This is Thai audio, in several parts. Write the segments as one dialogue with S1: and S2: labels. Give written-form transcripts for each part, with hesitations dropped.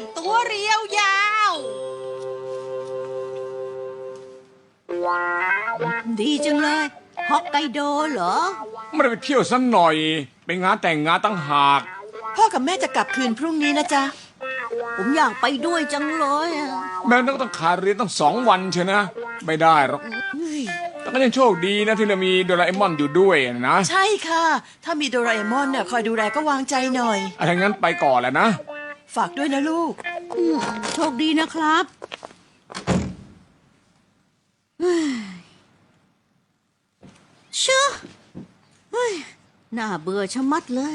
S1: ตัวเรียวยาว
S2: ดีจังเลยฮอกไกโดเหรอ
S3: ไม่ได้ไปเที่ยวสักหน่อยไปงานแต่งงานตั้งหาก
S4: พ่อกับแม่จะกลับคืนพรุ่งนี้นะจ๊ะ
S2: ผมอยากไปด้วยจังเลยอะ
S3: แม่ต้องขาดเรียนตั้ง2 วันเชียวนะไม่ได้หรอกแต่ก็ยังโชคดีนะที่เรามีโดราเอมอนอยู่ด้วยนะ
S4: ใช่ค่ะ ถ้ามีโดราเอมอนเนี่ยคอยดูแลก็วางใจหน่อย
S3: ถ้างั้นไปก่อนแหละนะ
S4: ฝากด้วยนะลูก
S2: โชคดีนะครับเชื่อเฮ้ยน่าเบื่อชะมัดเลย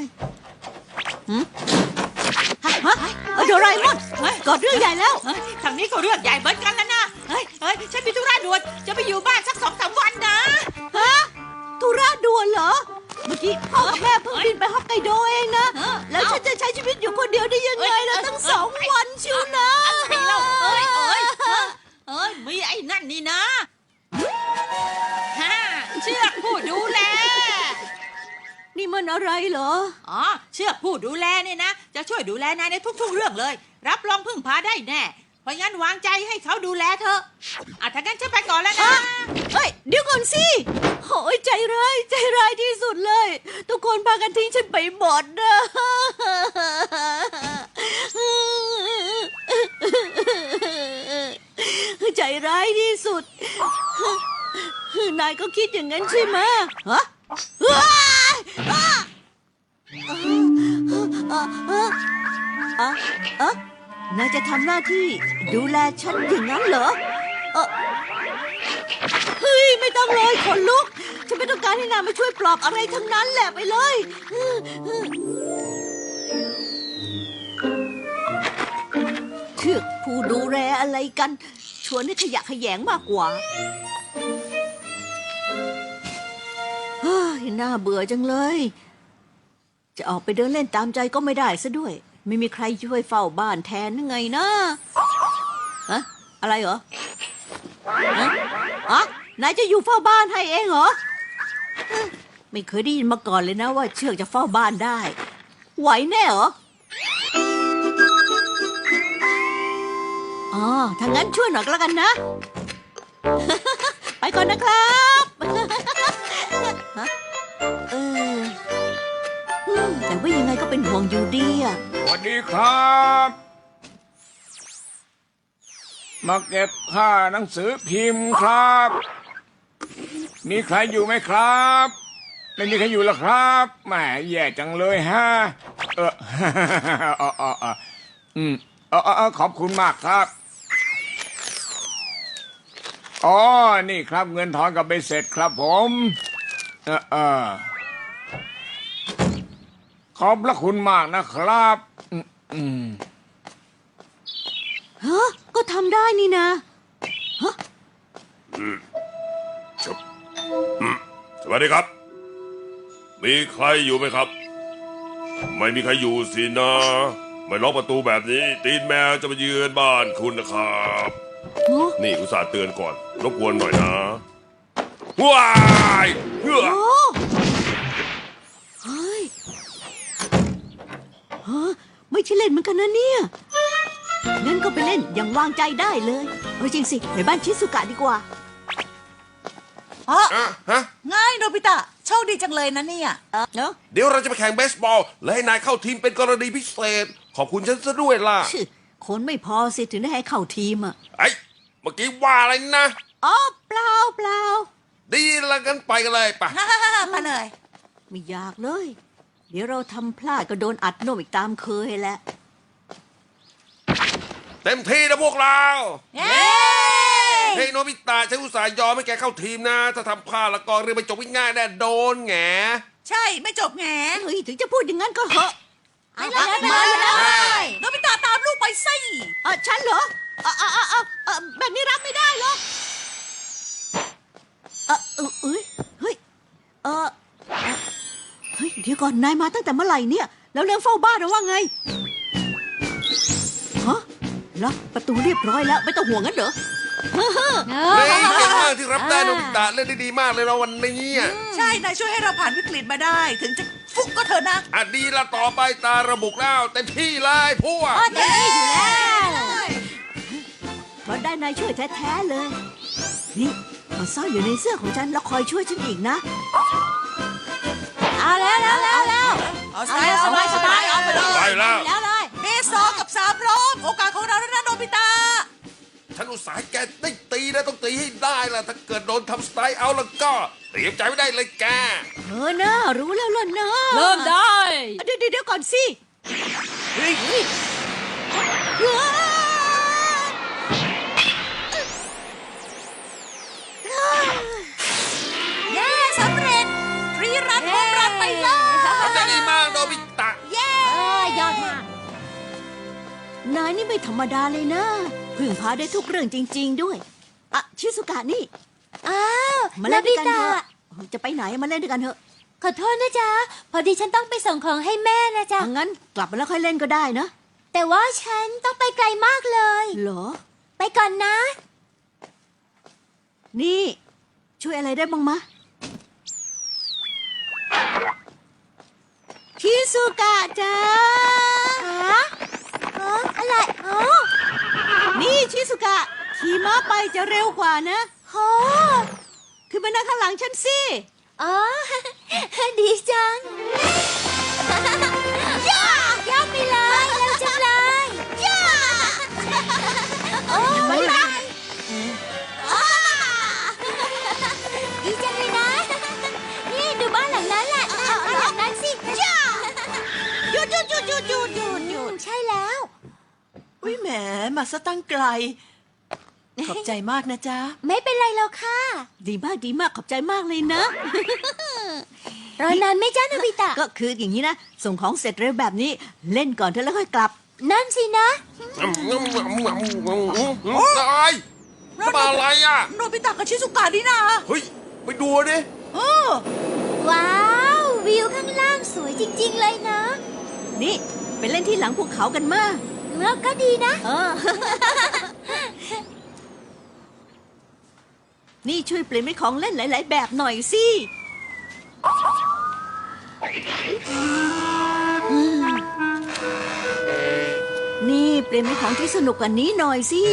S2: ฮะโดราเอมอนกอดเรื่องใหญ่แล้ว
S1: ทางนี้ก็เรื่องใหญ่เหมือนกันแล้วนะเฮ้ยฉันมีธุระด่วนจะไปอยู่บ้านสัก2-3 วันนะ
S2: ฮะธุระด่วนเหรอเมื่อกี้พ่อกับแม่เพิ่งบินไปฮอกไกโดเองนะแล้วฉันจะใช้ชีวิตอยู่คนเดียวได้ยังไงล่ะตั้ง2 วันชิวนะ
S1: มีไอ้นั่นนี่นะเชือกผู้ดูแล
S2: นี่มันอะไรเหรอ
S1: อ๋อเชือกผู้ดูแลเนี่ยนะจะช่วยดูแลนายในทุกๆเรื่องเลยรับรองพึ่งพาได้แน่เพราะงั้นวางใจให้เขาดูแลเธอถ้างั้นฉันไปก่อนแล้วนะ
S2: เฮ้ยเดี๋ยวก่อนสิโอ้ยใจร้ายที่สุดเลยทุกคนพากันทิ้งฉันไปหมดนะใจร้ายที่สุดนายก็คิดอย่างนั้นใช่ไหมฮะนายจะทำหน้าที่ดูแลฉันอย่างนั้นเหรอเฮ้ยไม่ต้องเลยขนลุกฉันไม่ต้องการให้นายมาช่วยปลอบอะไรทั้งนั้นแหละไปเลยเชือกผู้ดูแลอะไรกันชวนให้ขยะแขยงมากกว่าเฮ้ยน่าเบื่อจังเลยจะออกไปเดินเล่นตามใจก็ไม่ได้ซะด้วยไม่มีใครช่วยเฝ้าบ้านแทนยังไงนะฮะอะไรเหรอนายจะอยู่เฝ้าบ้านให้เองเหรอไม่เคยได้ยินมาก่อนเลยนะว่าเชือกจะเฝ้าบ้านได้ไหวแน่เหรอถ้างั้นช่วยหน่อยก็แล้วกันนะไปก่อนนะครับแต่ว่ายังไงก็เป็นห่วงอยู่ดีอ่ะ
S3: สวัสดีครับมาเก็บค่าหนังสือพิมพ์ครับมีใครอยู่ไหมครับไม่มีใครอยู่หรอครับแหมแย่จังเลยฮะขอบคุณมากครับอ๋อนี่ครับเงินทอนกับใบเสร็จครับผมขอบพระคุณมากนะครับ
S2: ฮะก็ทำได้นี่นะฮะ
S5: สวัสดีครับมีใครอยู่ไหมครับไม่มีใครอยู่สินะไม่ล็อกประตูแบบนี้ตีนแมวจะมาเยือนบ้านคุณนะครับนี่อุตส่าห์เตือนก่อนรบกวนหน่อยนะว้ายเฮ้
S2: ยไม่ใช่เล่นเหมือนกันนะเนี่ยงั้นก็ไปเล่นอย่างวางใจได้เลยจริงสิไปบ้านชิสุกะดีกว่า
S4: ง่ายโนบิตะโชคดีจังเลยนะเนี่ย
S2: เนาะ
S5: เดี๋ยวเราจะไปแข่งเบสบอลและให้นายเข้าทีมเป็นกรณีพิเศษขอบคุณฉันซะด้วยล่ะ
S2: คนไม่พอสิถึงได้ให้เข้าทีมอ่ะ
S5: เมื่อกี้ว่าอะไรนะ
S2: เปล่า
S5: ดีละกันไปกันเลยป่ะ
S4: ไปเลย
S2: ไม่อยากเลยเดี๋ยวเราทำพลาดก็โดนอัดโนมอีกตามเคยแหละ
S5: เต็มที่นะพวกเรา
S4: เ
S5: ฮ้ยโนบิตะฉันอุตส่าห์ยอมให้แกเข้าทีมนะถ้าทำพลาดแล้วก็เรื่องไม่จบง่ายๆแน่โดนแง
S4: ใช่ไม่จบแง
S2: เฮ้ยถึงจะพูดอย่างนั้นก็เหอะ
S4: ไปเลยโนบิตะตามลูกไปสิ
S2: ฉันเหรอแบบนี้รับไม่ได้หรอกเฮ้ยเดี๋ยวก่อนนายมาตั้งแต่เมื่อไหร่เนี่ยแล้วเรื่องเฝ้าบ้านหรือว่าไงฮะล็อกประตูเรียบร้อยแล้วไม่ต้องห่วงงั้นเหรอ
S5: เก่งมากที่รับได้โนบิตะเล่นได้ดีมากเลยเราวันนี้
S4: ใช่นายช่วยให้เราผ่านวิกฤตมาได้ถึงจะฟุกก็เถอะนะ
S5: ดีละต่อไปตาระบุแล้วเต็มที่เลยพวก
S2: เต็มที่อยู่แล้วเพราะได้นายช่วยแท้ๆเลย นี่มาซ่อนอยู่ในเสื้อของฉันแล้วคอยช่วยฉันอีกนะ เอาแล้ว
S4: เอาสบายเอาไปเลย
S5: ไปแล้ว
S2: แล้วเลย
S4: เมสองกับสามพร้อมโอกาสของเราแล้วนะโนบิตะ
S5: ฉันอุตส่าห์ให้แกได้ตีนะต้องตีให้ได้ล่ะถ้าเกิดโดนทำสไตล์เอาแล้วก็เตรียมใจไม่ได้เลยแก
S2: นะรู้แล้วล่ะนะ
S1: เริ่มได้
S2: เดี๋ยวก่อนสิ
S5: เฮ้ย
S4: เย้สำเร็จทรีรันโฮมรันไปเลย
S5: ทำได้ดีมากโนบิตะ
S2: ยอดมาก นายนี่ไม่ธรรมดาเลยนะ พึ่งพาได้ทุกเรื่องจริง ๆ ด้วยอะชิสุกะนี่
S6: อ้าว
S2: มาเล่นด้วยกันเถอะจะไปไหนมาเล่นด้วยกันเถอะ
S6: ขอโทษนะจ๊ะ พอดีฉันต้องไปส่งของให้แม่นะจ๊ะ
S2: งั้นกลับมาแล้วค่อยเล่นก็ได้นะ
S6: แต่ว่าฉันต้องไปไกลมากเลย
S2: เหรอ
S6: ไปก่อนนะ
S2: นี่ ช่วยอะไรได้บ้างมะชิสุกะจ้า
S6: ฮะอะไรอ๋อ
S2: นี่ชิสุกะขี่ม้าไปจะเร็วกว่านะ
S6: โห
S2: ขึ้นมานั่งข้างหลังฉันสิ
S6: อ๋อ ดีจัง ย่าไปเลยเร็วจังเลยย่าโอ้ยดีจังเลยนะ นี่ดูบ้านหลังนั้นแหละบ้านหลังนั้นสิย่า
S2: หยุด
S6: ใช่แล้ว
S4: อุ้ยแหมมาซะตั้งไกล ขอบใจมากนะจ๊ะ
S6: ไม่เป็นไรแล้วค่ะ
S2: ดีมากขอบใจมากเลยนะ
S6: รอนานไหม่จ้าโนบิตะ
S2: ก็คืออย่างนี้นะ ส่งของเสร็จเร็วแบบนี้ เล่นก่อนเธอแล้วค่อยกลับ
S6: นั่นสินะ
S5: ตายจะมาอะไรอ่ะ
S4: โนบิตะกับชิซุกะนี่นะ
S5: เฮ้ย ไปดูดิ
S6: ว้าว วิวข้างล่างสวยจริง ๆ เลยนะ
S2: นี่ไปเล่นที่หลังภูเขากันมา
S6: เมื่อก็ดีนะ
S2: นี่ช่วยเปลี่ยนเป็นของเล่นหลาย ๆ แบบหน่อยสินี่เปลี่ยนเป็นของที่สนุกกว่านี้หน่อยสิ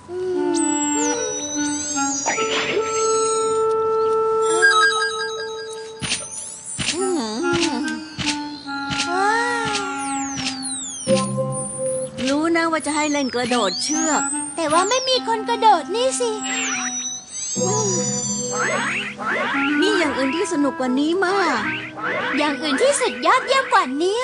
S2: รู้นะว่าจะให้เล่นกระโดดเชือก
S6: แต่ว่าไม่มีคนกระโดดนี่สิ
S2: มีอย่างอื่นที่สนุกกว่านี้มาก
S6: อย่างอื่นที่สุดยอดเยี่ยมกว่านี้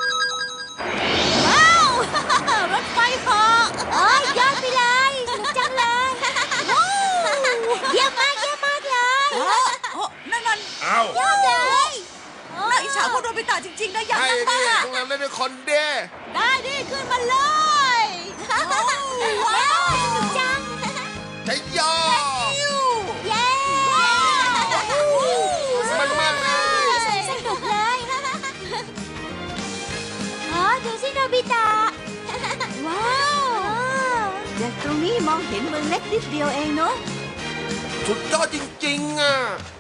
S2: ว้าว รถไฟเหาะ
S6: โอ้ยยอดไปเลยสนุกจังเลยเยี่ยมมากเลย
S4: โอ้นั่น
S5: อ้าวย
S6: อดเลย
S4: น่าอิจฉาพวกโนบิตะจริงๆนะอยาก
S5: ให้
S4: นั่งบ้า
S5: ดิ
S4: ง
S5: พวกเราเล่นด้วยคนเด้
S2: ได้ดิขึ้นมาเลย
S6: ว้าวสนุกจัง
S5: ใช้ยอ
S6: เย้
S5: มันมากเลย
S6: สนุกเลยอ๋อดูสิโนบิตะ
S2: ว้าวจากตรงนี้มองเห็นเมืองเล็กนิดเดียวเองเนาะ
S5: สุดยอดจริงๆอ่ะ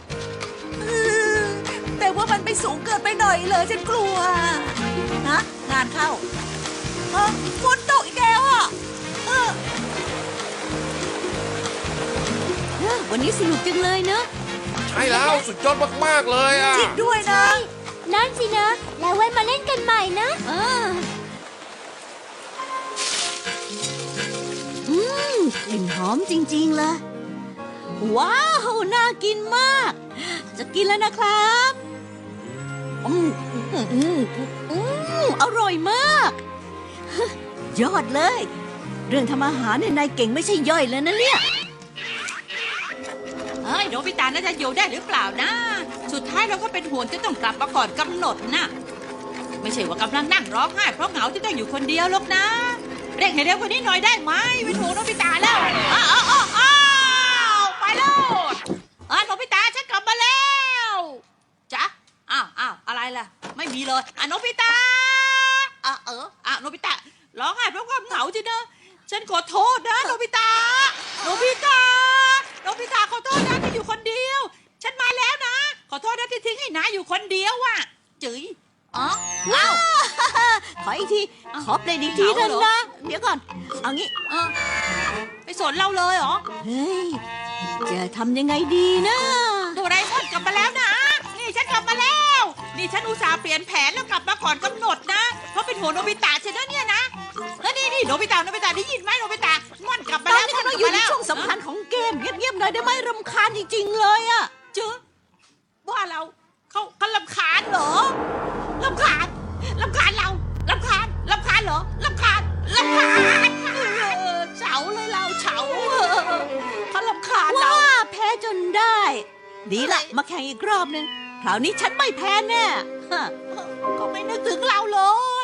S4: แต่ว่ามันไปสูงเกินไปหน่อยเลยฉันกลัวฮะงานเข้าฝนตกอีกแล้วอ่ะ
S2: วันนี้สนุกจังเลยเนาะ
S5: ใช่แล้วสุดยอดมากๆเลยอ่ะ
S4: จริงด้วยนะ
S6: นั่นสินะ แล้วไว้มาเล่นกันใหม่นะ
S2: กลิ่นหอมจริงๆเลย ว้าว น่ากินมาก จะกินแล้วนะครับอร่อยมาก ยอดเลย เรื่องทำอาหารเนี่ยนายเก่งไม่ใช่ย่อยเลยนะเนี่ย
S1: เฮ้ยโนบิตะน่าจะอยู่ได้หรือเปล่านะ สุดท้ายเราก็เป็นห่วงจะต้องกลับมาก่อนกำหนดนะไม่ใช่ว่ากำลังนั่งร้องไห้เพราะเหงาที่ต้องอยู่คนเดียวหรอกนะเร่งให้เร็วกว่านี้หน่อยได้ไหมเป็นห่วงโนบิตะแล้วอ้าวไปแล้วโนบิตะฉันกลับมาแล้วจ๊ะอ้าวอะไรล่ะไม่มีเลยโนบิตะโนบิตะร้องไห้เพราะความเหงาจริงนะฉันขอโทษนะโนบิตะโนบิตะขอโทษนะที่อยู่คนเดียว ฉันมาแล้วนะ ขอโทษนะที่ทิ้งให้นายอยู่คนเดียวอ่ะจื๋ยอ๋ออ้าว
S2: ขออีกที ขอเปลี่ยนอีกทีเถอะนะ เดี๋ยวก่อน เอางี้
S1: เออไปสนเราเลยเหรอ
S2: เฮ้ย จะทำยังไงดีนะ
S1: โดราเอมอนกลับมาแล้วนะ นี่ฉันกลับมาแล้ว นี่ฉันอุตส่าห์เปลี่ยนแผนแล้วกลับมาก่อนกำหนดนะ เพราะเป็นห่วงโนบิตะใช่ไหมเนี่ยนะแล้วนี่โนบิตะได้ยินไหมโนบิตะม่อนกลับมา
S2: ตอน
S1: แล้ว
S2: นี้
S1: ม่อน
S2: กำลั
S1: ก
S2: ง
S1: ลับ
S2: อยู่
S1: มา
S2: ใน
S1: แล้ว
S2: ช่วงสำคัญของเกม เงียบๆหน่อยได้ไหมรำคาญจริงๆเลยอะ
S1: เจอว่าเราเขาลำคาญเหรอลำคาญเราลำคาญเหรอลำคาญเฉาเลยเราเฉาเขาลำคาญเรา
S2: ว่าแพ้จนได้ ดีละมาแข่งอีกรอบนึง คราวนี้ฉันไม่แพ้แน่ฮะ
S1: ก็ไม่นึกถึงเราเลย